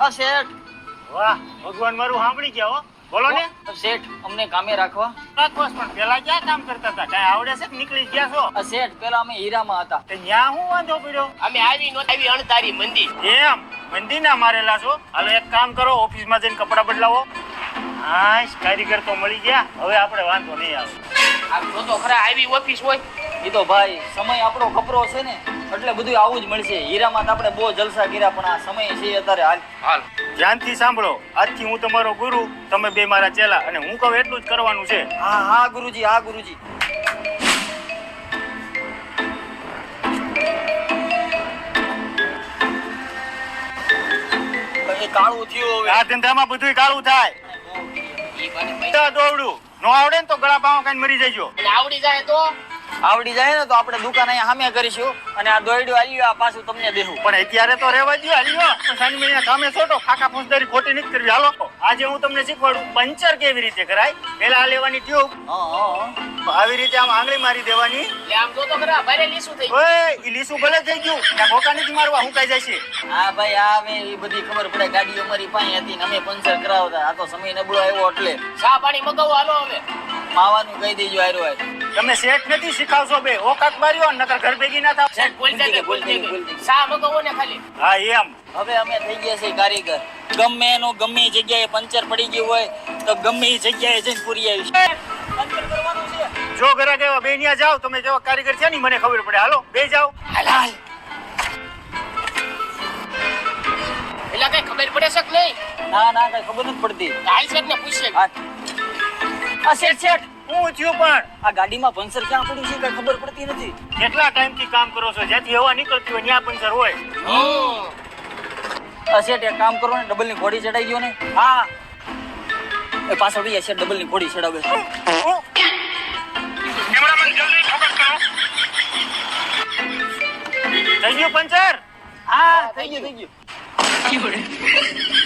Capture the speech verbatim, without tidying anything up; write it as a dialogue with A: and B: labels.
A: આ શેઠ.
B: વાહ ભગવાન મારું સાંભળી ગયા હો. બોલો ને.
A: શેઠ અમને કામે રાખવા.
B: રાખવા પણ પેલા ક્યાં કામ કરતા હતા? કાંઈ આવડે છે કે નીકળી ગયા છો?
A: આ શેઠ પેલા અમે હીરામાં હતા.
B: તે ન્યા હું વાંધો પડ્યો?
C: અમે આવી નો આવી અણધારી મંદી.
B: એમ મંદી ના મારેલા છો? હાલો એક કામ કરો, ઓફિસમાં જઈને કપડા બદલાવો. હા કારીગર તો મળી ગયા, હવે આપણે વાંધો નહીં આવે.
C: આ જો તો ખરા આવી ઓફિસ હોય.
A: એ તો ભાઈ સમય આપણો ખપરો છે ને એટલે બધું આવું જ મળશે. હીરામાં તો આપણે બહુ જલસા કર્યા પણ આ સમય છે અત્યારે હાલ.
C: હાલ
B: ધ્યાનથી સાંભળો, આજથી હું તમારો ગુરુ, તમે બે મારા ચેલા, અને હું કહું એટલું જ કરવાનું છે.
A: હા હા ગુરુજી, હા ગુરુજી. એ કાળું થયું હવે.
B: આ ધંધામાં બધુંય કાળું થાય.
C: ઈ મને પૈસા
B: બધા દોડું નો આવડે ને તો ગળા પાવા કાંઈ મરી જઈજો.
C: અને આવડી જાય તો
A: આવડી જાય ને તો આપણે દુકાન અહીંયા સામે કરીશું અને આ દોયડું આલ્યું આ પાછું તમને દેવું.
B: પણ અત્યારે તો રહેવા દો. હાલ્યો શનિ મહિના કામે છોટો, ખાકા ફોજદારી ખોટી નથી કરવી. હાલો આજે હું તમને શીખવાડું પંચર કેવી રીતે કરાય. પેલા આ લેવાની ટ્યુબ,
A: હા હા
B: આવી રીતે આમ આંગળી મારી દેવાની.
C: એટલે આમ જો તો ખરા ભારે લીસું થઈ
B: ઓય ઈ લીસું ભલે થઈ ગયું, ત્યાં ભોકા નથી મારવા, હું કાઈ જાય છે.
A: હા ભાઈ આ હવે એ બધી ખબર પડે. ગાડીઓ અમારી પાસે હતી ને અમે પંચર કરાવતા. આ તો સમય નબળો આવ્યો એટલે
C: ચા પાણી મગાવો. હાલો હવે
A: માવાનું કહી દેજો. આયરો આય
B: તમે શેઠ નથી શીખાવશો બે, ઓકાત માર્યો નકર ઘર ભેગી ના થાવ.
C: શેઠ બોલ જાય બોલ જાય ચા મગાવો ને ખાલી.
B: હા એમ
A: હવે અમે થઈ ગયા છે કારીગર. ગમે એનું ગમે એ જગ્યાએ પંચર પડી ગયું હોય તો ગમે એ જગ્યાએ જઈને પૂરી આવીશ. પંચર કરવાનું છે.
B: જો ઘરે કેવા બે ન્યા જાવ, તમે જેવા કારીગર છે ને મને ખબર પડે. હાલો બે જાવ.
A: હાલ હાલ.
C: એટલે કઈ ખબર પડે છે કે નહીં?
A: ના ના કઈ ખબર નથી પડતી.
C: હાલ શેઠ ને પૂછશે.
A: હા આ શેઠ શેઠ
B: હું થયું પણ
A: આ ગાડીમાં પંચર ક્યાં પડ્યું છે કઈ ખબર પડતી નથી.
B: કેટલા ટાઈમ થી કામ કરો છો? જ્યાંથી હવા નીકળતી હોય ત્યાં પંચર હોય.
A: આ શેઠ એક કામ કરો ને, ડબલ ની ઘોડી ચડાઈ ગયો ને. હા એ પાછળ બી શેઠ ડબલ ની ઘોડી ચડાવે.
B: થઈ ગયું પંચર?
A: હા થઈ ગયું થઈ ગયું.